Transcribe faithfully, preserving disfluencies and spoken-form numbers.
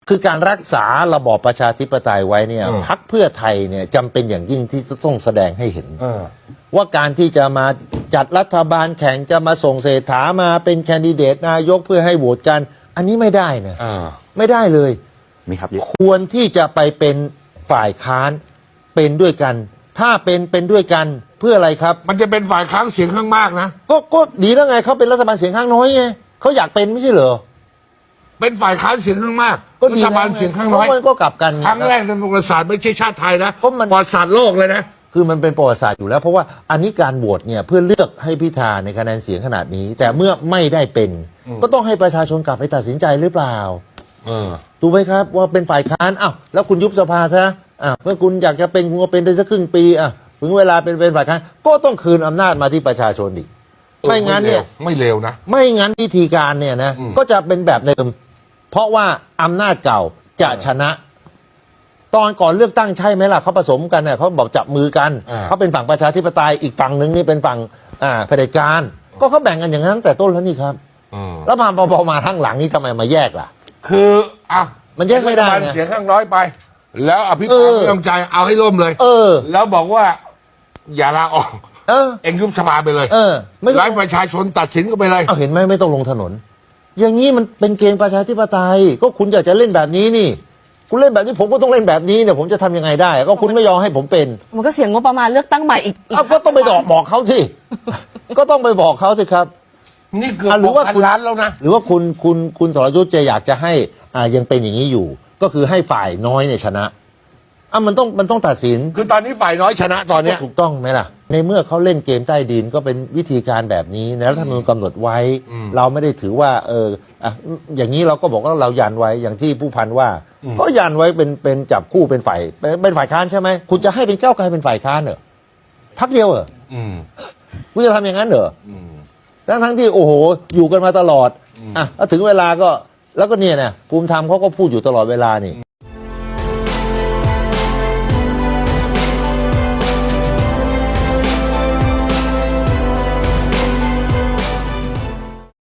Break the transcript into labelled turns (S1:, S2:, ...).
S1: คือการรักษาระบอบประชาธิปไตยไว้เนี่ยพรรคเพื่อไทยเนี่ยจำเป็นอย่างยิ่งที่ต้องแสดงให้เห็นว่าการที่จะมาจัดรัฐบาลแข่งจะมาส่งเศรษฐามาเป็นแคนดิเดตนายกเพื่อให้โหวตกัน อันนี้ไม่ได้นะไม่ได้เลย
S2: มีครับ
S1: ควรที่จะไปเป็นฝ่ายค้านเป็นด้วยกัน ถ้าเป็นเป็นด้วยกันเพื่ออะไรครับ
S3: มันจะเป็นฝ่ายค้านเสียงข้างมากนะ
S1: ก็ก็ดีแล้วไงเขาเป็นรัฐบาลเสียงข้างน้อยไงเขาอยากเป็นไม่ใช่เหรอ
S3: เป็นฝ่ายค้านเสียงข้างมาก
S1: ก็
S3: รัฐบาลเสียงข้างน้อย
S1: ก็กลับกัน
S3: ครั้งแรกในประวัติศาสตร์ไม่ใช่ชาติไทยนะประวัติศาสตร์โลกเลยนะ
S1: คือมันเป็นประวัติศาสตร์อยู่แล้วเพราะว่าอันนี้การโหวตเนี่ยเพื่อเลือกให้พิธาในคะแนนเสียงขนาดนี้แต่เมื่อไม่ได้เป็นก็ต้องให้ประชาชนกลับไปตัดสินใจหรือเปล่าถูกไหมครับว่าเป็นฝ่ายค้านอ้าวแล้วคุณยุบสภาซะอ่ะเมื่อคุณอยากจะเป็นคุณก็เป็นได้สักครึ่งปีอ่ะถึงเวลาเป็นเป็นฝ่ายค้านก็ต้องคืนอำนาจมาที่ประชาชนอีกไม่งั้นเนี่ย
S3: ไม่เลวนะ
S1: ไม่งั้นวิธีการเนี่ยนะก็จะเป็นแบบเดิมเพราะว่าอำนาจเก่าจะชนะตอนก่อนเลือกตั้งใช่ไหมล่ะเขาผสมกันเนี่ยเขาบอกจับมือกันเขาเป็นฝั่งประชาธิปไตยอีกฝั่งหนึ่งนี่เป็นฝั่งอ่าเผด็จการก็เขาแบ่งกันอย่างนั้นตั้งแต่ต้นแล้วนี่ครับแล้วมาพอมาทั้งหลังนี่ทำไมมาแยกล่ะ
S3: คืออ่ะ
S1: มันแยกไม่ได้
S3: เสียงข้างน้อยไปแล้วอภิปรายไม่ต้องใจเอาให้ล่มเลย
S1: เออ
S3: แล้วบอกว่าอย่าลาออก
S1: เออ
S3: เอ็งยุบสภาไปเลย
S1: เออ
S3: ไม่ให้ประชาชนตัดสินก็ไปเลย
S1: เอาเห็นไหมไม่ต้องลงถนนอย่างนี้มันเป็นเกมประชาธิปไตยก็คุณอยากจะเล่นแบบนี้นี่คุณเล่นแบบนี้ผมก็ต้องเล่นแบบนี้เนี่ยผมจะทำยังไงได้ก็คุณไม่ยอมให้ผมเป็น
S4: มันก็เสียงงบประมาณเลือกตั้งใหม่อีก
S1: ก็ต้องไปบอกบอกเขาสิก็ต้องไปบอกเขาสิครับ
S3: นี่เกือบหรือว่าคุณล้านแล้วนะ
S1: หรือว่าคุณคุณคุณสรยุทธ์จะอยากจะให้อ่ายังเป็นอย่างนี้อยู่ก็คือให้ฝ่ายน้อยเนี่ยชนะอ่ะมันต้องมันต้องตัดสิน
S3: คือตอนนี้ฝ่ายน้อยชนะตอนนี้
S1: ถูกต้องไหมล่ะในเมื่อเขาเล่นเกมใต้ดินก็เป็นวิธีการแบบนี้นะรัฐธรรมนูญกำหนดไว้เราไม่ได้ถือว่าเอออ่ะอย่างนี้เราก็บอกว่าเรายันไว้อย่างที่ผู้พันว่าก็ยันไว้เป็นเป็นจับคู่เป็นฝ่ายเป็นฝ่ายค้านใช่ไหมคุณจะให้เป็นก้าวไกลเป็นฝ่ายค้านเหรอพักเดียวเหรอคุณจะทำอย่างนั้นเหรอทั้งทั้งที่โอ้โหอยู่กันมาตลอดอ่ะแล้วถึงเวลาก็แล้วก็เนี่ยนะภูมิธรรมเขาก็พูดอยู่ตลอดเวลานี่